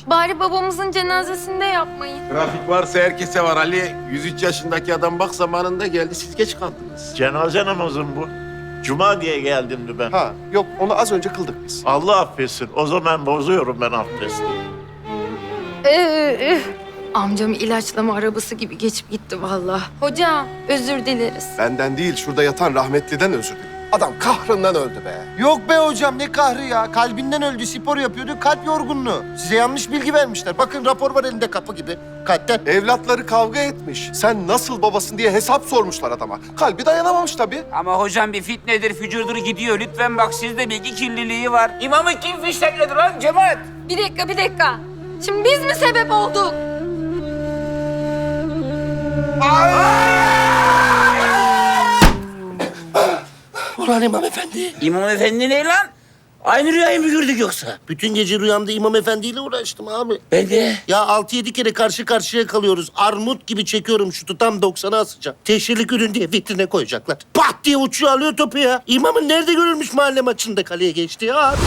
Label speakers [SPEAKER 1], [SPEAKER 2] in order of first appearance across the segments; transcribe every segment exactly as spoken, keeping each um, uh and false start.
[SPEAKER 1] Bari babamızın cenazesinde yapmayın.
[SPEAKER 2] Trafik varsa herkese var Ali. yüz üç yaşındaki adam bak zamanında geldi, siz geç kaldınız.
[SPEAKER 3] Cenaze namazım bu. Cuma diye geldimdi ben.
[SPEAKER 4] Ha yok onu az önce kıldık biz.
[SPEAKER 3] Allah affetsin. O zaman bozuyorum ben abdesti.
[SPEAKER 1] Ee, Amcam ilaçlama arabası gibi geçip gitti vallahi. Hocam özür dileriz.
[SPEAKER 4] Benden değil şurada yatan rahmetliden özür dilerim. Adam kahrından öldü be.
[SPEAKER 5] Yok be hocam ne kahrı ya. Kalbinden öldü, spor yapıyordu, kalp yorgunluğu. Size yanlış bilgi vermişler. Bakın rapor var elinde kapı gibi. Kalpten.
[SPEAKER 4] Evlatları kavga etmiş. Sen nasıl babasın diye hesap sormuşlar adama. Kalbi dayanamamış tabii.
[SPEAKER 6] Ama hocam bir fitnedir, fücurdur gidiyor. Lütfen bak sizde bilgi kirliliği var. İmamı kim fişlekledi lan cemaat?
[SPEAKER 1] Bir dakika bir dakika. Şimdi biz mi sebep olduk?
[SPEAKER 5] Ulan İmam Efendi.
[SPEAKER 6] İmam efendi ne lan? Aynı rüyayı mı gördük yoksa?
[SPEAKER 5] Bütün gece rüyamda İmam Efendi ile uğraştım abi.
[SPEAKER 6] Ben de.
[SPEAKER 5] Ya altı yedi kere karşı karşıya kalıyoruz. Armut gibi çekiyorum şutu tam doksana asacağım. Teşhirlik ürün diye vitrine koyacaklar. Pat diye uçuyor alıyor topu ya. İmamın nerede görülmüş mahalle maçında kaleye geçti ya abi.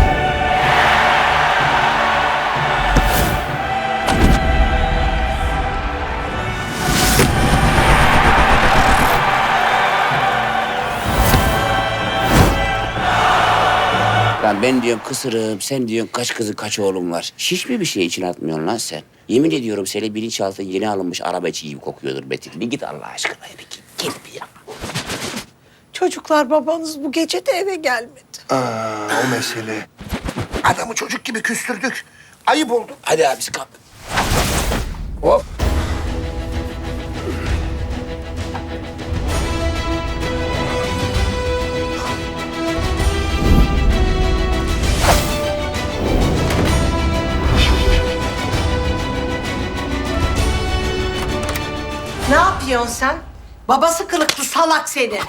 [SPEAKER 6] Lan ben diyorum kısırım, sen diyorsun kaç kızı kaç oğlum var. Hiç mi bir şey için atmıyorsun lan sen? Yemin ediyorum senin bilinçaltı yeni alınmış araba içi gibi kokuyordur Metin. Bir git Allah aşkına bir git. Git bir ya.
[SPEAKER 7] Çocuklar babanız bu gece de eve gelmedi.
[SPEAKER 5] Aa, o mesele. Adamı çocuk gibi küstürdük. Ayıp oldu.
[SPEAKER 6] Hadi abisi kalk. Hop.
[SPEAKER 7] Ne yapıyorsun sen? Babası kılıklı salak seni.